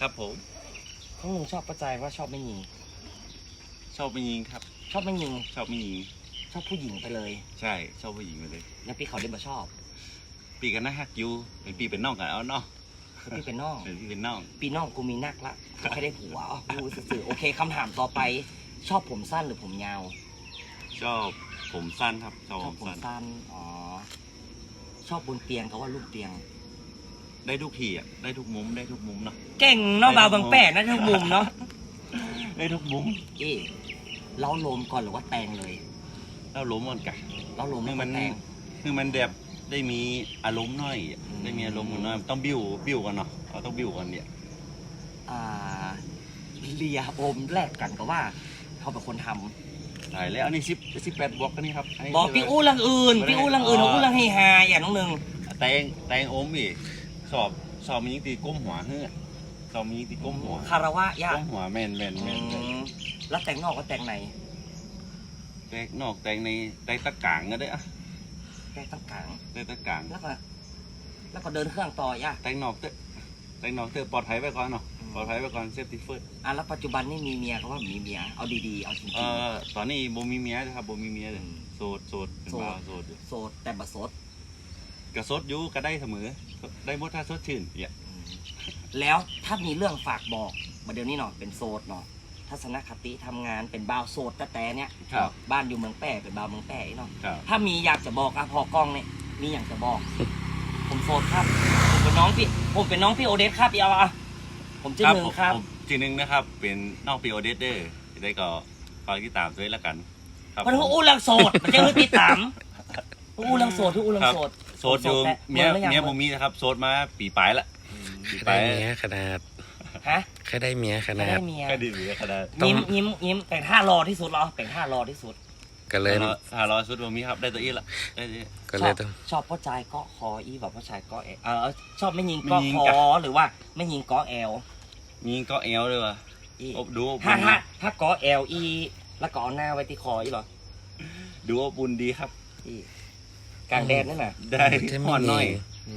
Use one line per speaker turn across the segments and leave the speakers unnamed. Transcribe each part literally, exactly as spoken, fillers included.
ครับผม
ของหนูชอบประจายว่าชอบไม่ยิง
ชอบไม่ยิงครับ
ชอบไม่ยิง
ชอบไม่ยิง
ชอบผู้หญิงไปเลย
ใช่ชอบผู้หญิงไปเลย
แล้วพี่เขาได้มาชอบ
ปีกันนะฮักยูเป็นปีเป็นน้องกันเอาเนาะ
พี่เป็นน้อง
เป็นพี่เป็นน้อง
ปีน้องกูมีนักละเขาแค่ได้ผัวอ๋อกูสื่อโอเคคำถามต่อไปชอบผมสั้นหรือผมยาว
ชอบผมสั้นครับ
ชอบผมสั้นอ๋อชอบบนเตียงเขาว่าลูกเตียง
ได้ทุกทีอ่ะได้ทุกมุมได้ทุกมุมเนาะ
เก่งเนาะบ่าวบางแปะนะทุกมุมเนาะ
ได้ทุกมุม
เอ๊ะเล้าโลมก่อนหรือว่าแตงเลย
เล้าล้มก่อนกัน
เล้าโลม
คือมัน
แตง
คือมันแบบได้มีอารมณ์หน่อยได้มีอารมณ์หน่อยต้องบิ้วบิ้วกันเนาะเราต้องบิ้วกันเนี่ย
อ่าเลียอมแลกกันก็ว่าเขาเป็นคนท
ำใช่แล้วอันนี้สิบสิบแปดบวกกันนี่ครับ
บอกพี่อู้ลังอื่นพี่อู้ลังอื่นอู้ลังให้ฮาอย่างน้องหนึ่ง
แตงแตงอมอีกสอบสอบมียิงตีก้มหัวเฮ้อสอบมียิงตีก้มหัว
คารวะยาก
ก้มหัวแมนแมนแมน
แล้วแต่งนอกก็แต่งใน
แต่งนอกแต่งในแต่งตะกางก็ได้อะ
แต่งตะกาง
แต่งตะกาง
แล้วก็แล้วก็เดินเครื่องต่อยาก
แต่งนอกเตะแต่งนอกเตะปลอดภัยไว้ก่อนเนาะปลอดภัยไว้ก่อนเซฟตี้เฟิร์ส
อ่ะแล้วปัจจุบันนี่มีเมียเขาว่ามีเมียเอาดีๆเอาจริงๆ
เอ่อตอนนี้โบมีเมียนะครับโบมีเมียเลยโสดโสดเป็นบ่าวโสด
โสดแต่บัดโสด
กระสดอยู่ก็ได้เสมอได้หมดถ้าสดชื่นเนี่ย
แล้วถ้ามีเรื่องฝากบอกมาเดี๋ยวนี้เนาะเป็นโสดเนาะทัศนคติทำงานเป็นบ่าวโสดแต่แต่เนี้ยบ้านอยู่เมืองแป้เป็นบ่าวเมืองแป้เนาะถ้ามีอยากจะบอกอะพอกล้องเนี่ยมีอยากจะบอกผมโสดครับผมเป็นน้องพี่ผมเป็นน้องพี่โอเดสครับเอาอะผมชื่อหนึ่งครับ
ชื่อหนึ่งนะครับเป็นน้องพี่โอเดสเด้อได้ก็ฝากติดตามด้วยละกัน
ครับมันอู้ลังโสดมันจะคือติดตามอู้ลังโสดทุกอู้ลังโสด
โสดอยู่เมียเมียโมมีนะครับโสดมาปีปลายละ
ปีปลายเมียขนาด
ฮะ
แค่ได้เมียขนาดแค่
ได้เมีย
แค่ได้เมียขนาด
ยิ้มยิ้มยิ้มแต่งท่ารอที่สุดเหรอแต่งท่ารอที่สุด
ก็เลย
ท่ารอสุดโมมีครับได้ตัวอีละได้
ก็เลยต้อง
ชอบพ่อชายก็คออีแบบพ่อชายก็เอเออชอบไม่ยิงก็คอหรือว่าไม่ยิงก็แอล
ยิงก็แอลเลยว่ะดู
ถ้าถ้าถ้าก็แอลอีแล้วก็เอาหน้าไว้ที่คออีหรอ
ดูว่าบุญดีครับ
กลางแดดนั่นน่ะ
ได้ห่อนหน่อย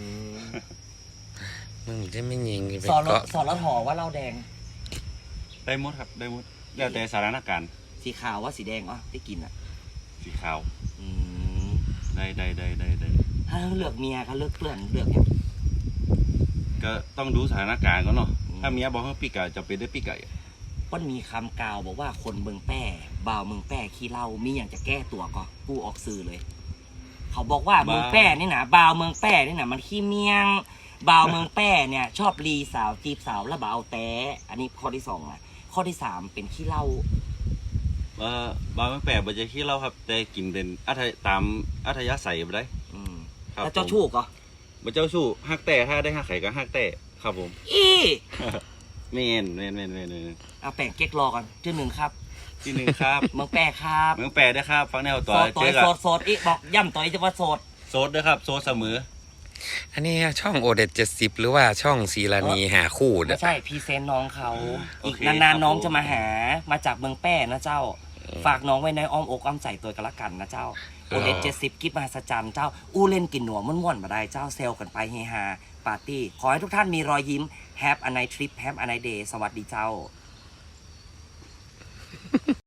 มึงจะไม่ยิง
สอนสอนแล้วถอว่าเหล้าแดง
ได้หมดครับได้หมดแล้วแต่สถานการณ์
สีขาวว่าสีแดงอ๋อที่กินอ่ะ
สีขาวได้ได้ได้ได้ได้
ถ้าเลือกเมียเขาเลือกเพื่อนเลือกเนี่ย
ก็ต้องดูสถานการณ์ก่อนเนาะถ้าเมียบอกว่าปีไก่จะเป็นได้ปีไก่
ก็มีคำกล่าวบอกว่าคนเมืองแป้บ่าวเมืองแป้ขี้เหล้ามีอย่างจะแก้ตัวก็กูออกสื่อเลยเขาบอกว่าเมืองแป้นี่นะบ่าวเมืองแป้นี่นะมันขี้เมียงบ่าวเมืองแป้เนี่ยชอบรีสาวจีบสาวแล้วบ่าวแต่อันนี้ข้อที่สองนะข้อที่สามเป็นขี้เหล้า
เออบ่าวเมืองแป้บ่จะขี้เหล้าครับแต่กินเป็นอัธตามอัธยาศัยไปได้
แล้วเจ้าชู้ก็
บ่เจ้าชู้ฮักแต่ถ้าได้ฮักไข่ก็ฮักแต่ครับผม
อี
เมนเมนเมนเมนเมน
เอาแป้งเก๊กรอก่อนชื่อหนึ่งครับ
ชื่อหนึ่งครับ
เมืองแป้ครับ
เมืองแป้ได้ครับฟังแนวต่อ
เจอกับโสดโสดอีบอกย่ำต่อยจะว่าโสด
โสดด้วยครับโสดเสมอ
อันนี้ช่องโอเดตเจ็ดสิบหรือว่าช่องซีรานีหาคู่
ไม่ใช่พีเซนน้องเขาอีกนานๆน้องจะมาหามาจากเมืองแป้นะเจ้าฝากน้องไว้ในอ้อมอกอ้อมใจตัวกันละกันนะเจ้าโอเดตเจ็ดสิบกิฟต์มหัศจรรย์เจ้าอู้เล่นกินหนัวม่วนๆมาได้เจ้าเซลกันไปเฮฮาปาร์ตี้ขอให้ทุกท่านมีรอยยิ้ม Have a nice trip Have a nice day สวัสดีเจ้า